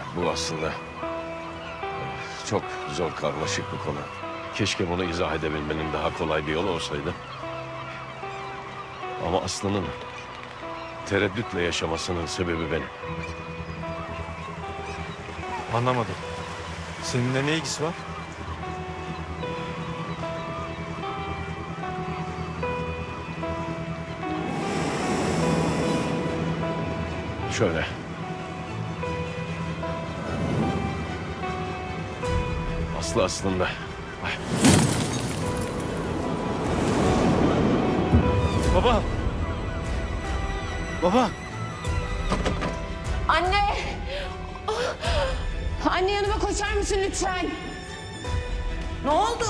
Bu aslında çok zor, karmaşık bir konu. Keşke bunu izah edebilmenin daha kolay bir yolu olsaydı. Ama Aslı'nın tereddütle yaşamasının sebebi benim. Anlamadım. Seninle ne ilgisi var? Şöyle. Aslı aslında... Ay, Baba! Baba! Anne! Anne yanıma koşar mısın lütfen? Ne oldu?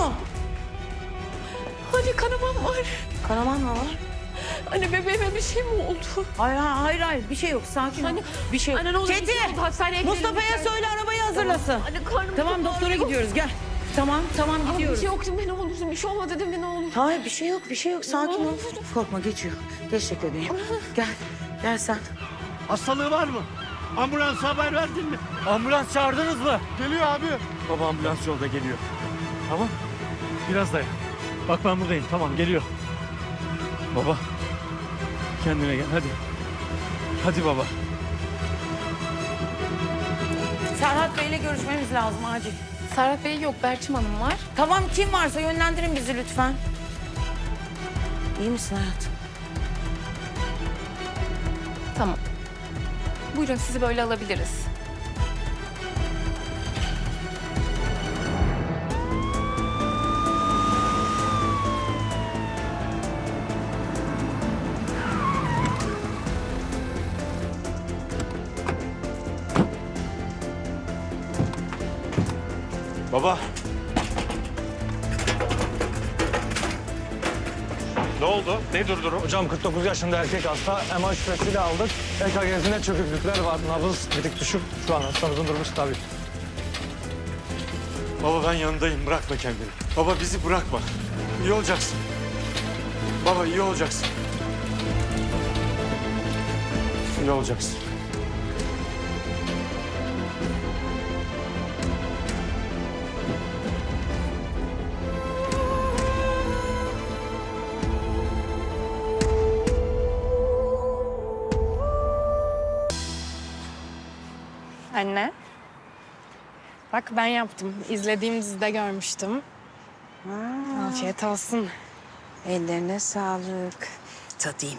Anne kanamam var. Kanaman mı var? Anne bebeğime bir şey mi oldu? Hayır bir şey yok sakin ol. Anne, Bir şey yok. anne ne olur Çetin, bir şey oldu, hastaneye gidelim Mustafa'ya lütfen. söyle arabayı hazırlasın. Anne karnım Tamam çok doktora ağrıyor. gidiyoruz gel. Tamam Ama bir gidiyoruz. şey yok değil mi ne olursun? Bir şey olmadı değil mi ne olur? Hayır bir şey yok sakin ol. Korkma geçiyor. Geç bebeğim. Gel sen. Hastalığı var mı? Ambulansa haber verdin mi? Ambulans çağırdınız mı? Geliyor abi. Baba ambulans yolda geliyor. Tamam. Biraz dayan. Bak ben buradayım. Tamam geliyor. Baba. Kendine gel hadi. Hadi baba. Serhat Bey'le görüşmemiz lazım acil. Serhat Bey yok, Berçim Hanım var. Tamam kim varsa yönlendirin bizi lütfen. İyi misin hayatım? Tamam. Buyurun sizi böyle alabiliriz. Baba. Ne oldu? Ne durdurum? Hocam 49 yaşında erkek hasta. MR şüphesiyle aldık. EKG'sinde çöküklükler var. Nabız bir tık düşük. Şu an hastamızın durumu stabil. Baba ben yanındayım. Bırakma kendini. Baba bizi bırakma. İyi olacaksın. Baba iyi olacaksın. İyi olacaksın. Anne. Bak ben yaptım. İzlediğim dizide görmüştüm. Afiyet olsun. Ellerine sağlık. Tadayım.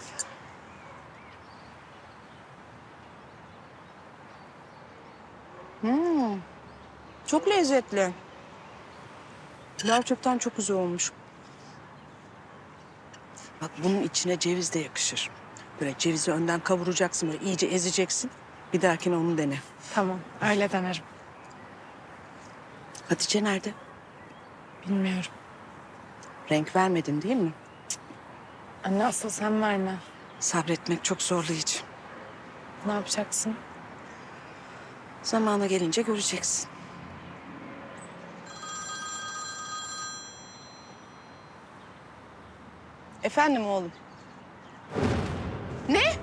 Çok lezzetli. Gerçekten çok güzel olmuş. Bak bunun içine ceviz de yakışır. Böyle cevizi önden kavuracaksın, böyle iyice ezeceksin. Bir dahakine onu dene. Tamam, öyle denerim. Hatice nerede? Bilmiyorum. Renk vermedin değil mi? Anne asıl sen verme. Sabretmek çok zorlayıcı. Ne yapacaksın? Zamanı gelince göreceksin. Efendim oğlum. Ne?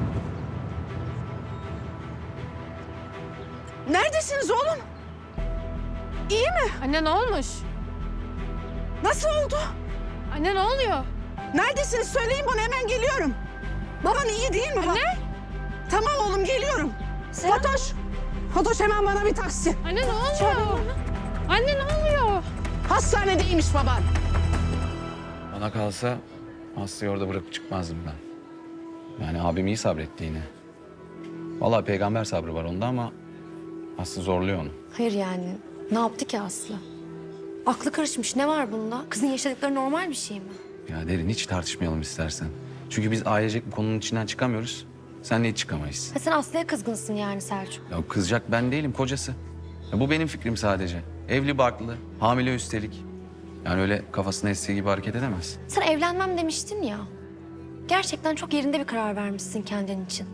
Neredesiniz oğlum? İyi mi? Anne ne olmuş? Nasıl oldu? Anne ne oluyor? Neredesiniz? Söyleyin bana hemen geliyorum. Baban iyi değil mi? Anne? Tamam oğlum geliyorum. Fatoş. Fatoş hemen bana bir taksi. Anne ne oluyor? Anne ne oluyor? Hastanedeymiş baban. Bana kalsa Aslı'yı orada bırakıp çıkmazdım ben. Yani abim iyi sabretti yine. Vallahi peygamber sabrı var onda ama Aslı zorluyor onu. Hayır yani ne yaptı ki Aslı? Aklı karışmış, ne var bunda? Kızın yaşadıkları normal bir şey mi? Ya Derin hiç tartışmayalım istersen. Çünkü biz ailecek bu konunun içinden çıkamıyoruz. Senle hiç çıkamayız. Ha, sen Aslı'ya kızgınsın yani Selçuk. Ya kızacak ben değilim, kocası. Ya bu benim fikrim sadece. Evli barklı, hamile üstelik. Yani öyle kafasına estiği gibi hareket edemez. Sen evlenmem demiştin ya. Gerçekten çok yerinde bir karar vermişsin kendin için.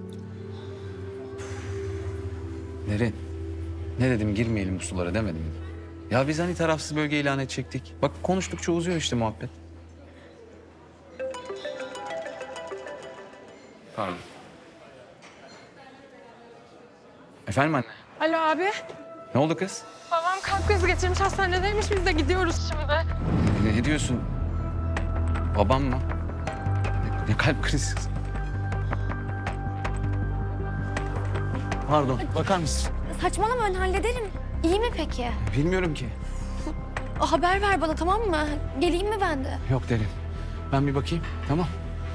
Derin, ne dedim girmeyelim bu sulara demedim mi? Ya biz hani tarafsız bölge ilan edecektik. Bak konuştukça uzuyor işte muhabbet. Pardon. Efendim anne? Alo abi. Ne oldu kız? Babam kalp krizi geçirmiş, hastanedeymiş. Biz de gidiyoruz şimdi. Ne diyorsun? Babam mı? Ne kalp krizi? Pardon, bakar mısın? Saçmalama ben hallederim. İyi mi peki? Bilmiyorum ki. Haber ver bana tamam mı? Geleyim mi ben de? Yok derim. Ben bir bakayım, tamam.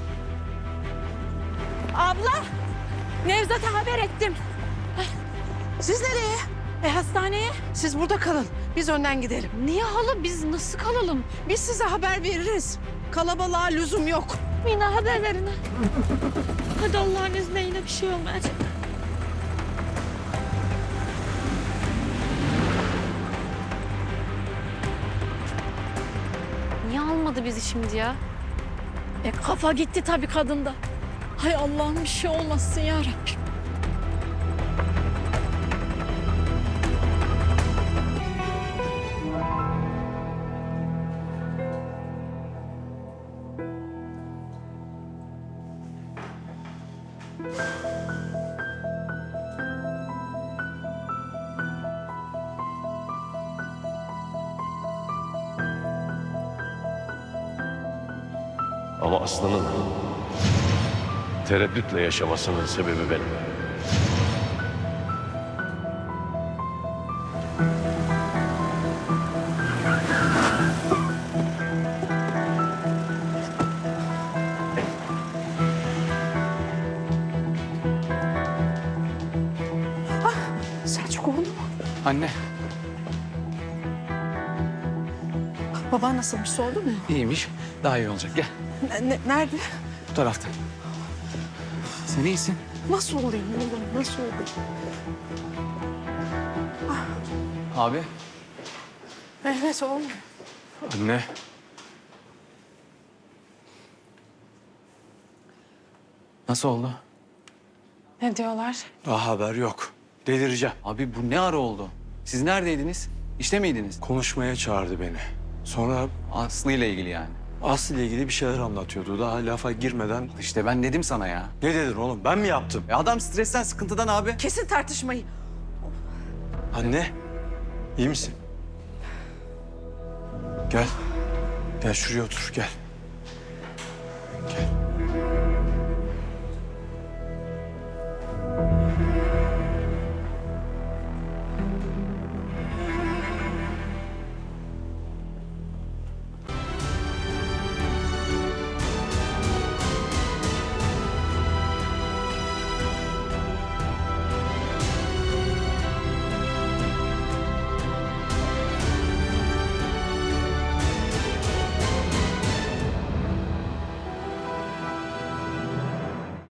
Abla, Nevzat'a haber ettim. Siz nereye? Hastaneye. Siz burada kalın. Biz önden gidelim. Niye hala? Biz nasıl kalalım? Biz size haber veririz. Kalabalığa lüzum yok. Mina haber verin. Hadi Allah'ın izniyle bir şey olmayacak. Niye almadı bizi şimdi ya? Kafa gitti tabii kadında. Hay Allah'ım bir şey olmasın ya Rabbim. Ama Aslı'nın tereddütle yaşamasının sebebi benim. Selçuk oğlum. Anne, Baban nasılmış sordu mu? iyiymiş. Daha iyi olacak. Gel, Nerede? bu tarafta. Sen iyisin. Nasıl olayım oğlum? Nasıl olayım? Abi. Evet oğlum. Anne. Nasıl oldu? Ne diyorlar? Daha haber yok. Delireceğim. Abi bu ne ara oldu? Siz neredeydiniz? İşte miydiniz? Konuşmaya çağırdı beni. Sonra Aslı ile ilgili yani. Aslı ile ilgili bir şeyler anlatıyordu. Daha lafa girmeden... İşte ben dedim sana ya. Ne dedin oğlum? Ben mi yaptım? Adam stresten, sıkıntıdan abi. Kesin tartışmayı. Anne, iyi misin? Gel. Gel şuraya otur, gel. Gel.